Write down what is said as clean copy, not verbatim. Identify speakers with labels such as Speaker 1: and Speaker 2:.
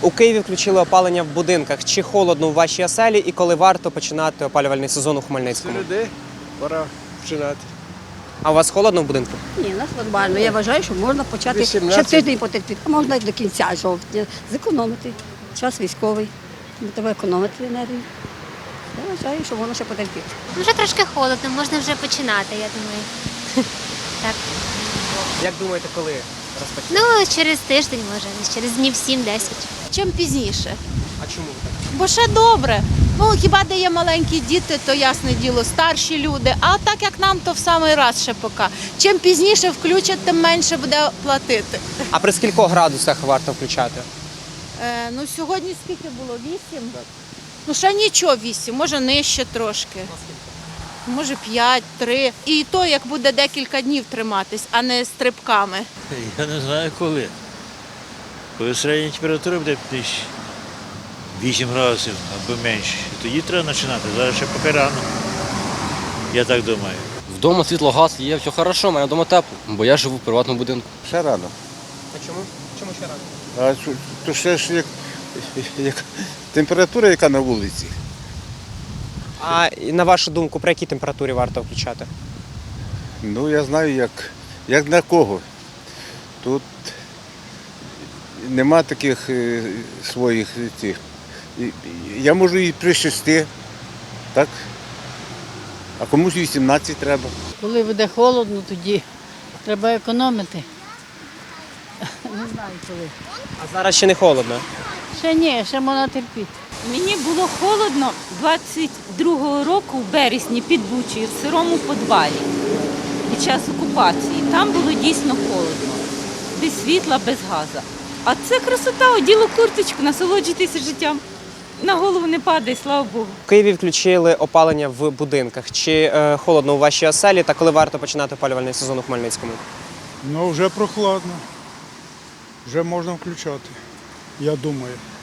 Speaker 1: У Києві включили опалення в будинках. Чи холодно у вашій оселі і коли варто починати опалювальний сезон у Хмельницькому?
Speaker 2: Середи пора починати.
Speaker 1: А у вас холодно в будинку?
Speaker 3: Ні, у нас нормально. Я вважаю, що можна почати
Speaker 2: 18.
Speaker 3: ще тиждень потерпіти, а можна і до кінця жовтня. Зекономити. Час військовий. Треба економити енергію. Я вважаю, що можна ще потерпіти.
Speaker 4: Вже трошки холодно, можна вже починати, я думаю. Так.
Speaker 1: Як думаєте, коли розпочнете?
Speaker 4: Ну, через тиждень, може, через днів 7-10.
Speaker 5: Чим пізніше.
Speaker 1: А чому так?
Speaker 5: Бо ще добре. Ну, хіба де є маленькі діти, то ясне діло, старші люди. А так як нам, то в самий раз ще поки. Чим пізніше включать, тим менше буде платити.
Speaker 1: А при скількох градусах варто включати?
Speaker 5: Ну, сьогодні скільки було? 8? Ну, ще нічого 8, може нижче трошки. Може 5, 3. І то, як буде декілька днів триматись, а не стрибками.
Speaker 6: Я не знаю коли. Коли середня температура буде 8 градусів або менше, тоді треба починати. Зараз ще поки рано. Я так думаю.
Speaker 7: Вдома світло, газ є, все хорошо, мене вдома тепло, бо я живу в приватному будинку.
Speaker 8: Ще рано.
Speaker 1: А чому? Чому ще рано?
Speaker 8: То ще ж як температура, яка на вулиці.
Speaker 1: А на вашу думку, при якій температурі варто включати?
Speaker 8: Ну, я знаю, як на кого. Тут нема таких своїх цих. Я можу і при 6, так? А комусь 18 треба.
Speaker 9: Коли буде холодно, тоді треба економити. Не знаю коли.
Speaker 1: А зараз ще не холодно.
Speaker 9: Ще ні, ще можна терпіти.
Speaker 10: Мені було холодно 22-го року в березні під Бучею в сирому підвалі під час окупації. Там було дійсно холодно, без світла, без газу. А це красота, оділо курточку, насолоджуйтеся життям. На голову не падає, слава Богу.
Speaker 1: В Києві включили опалення в будинках. Чи холодно у вашій оселі та коли варто починати опалювальний сезон у Хмельницькому?
Speaker 11: Ну, вже прохладно. Вже можна включати, я думаю.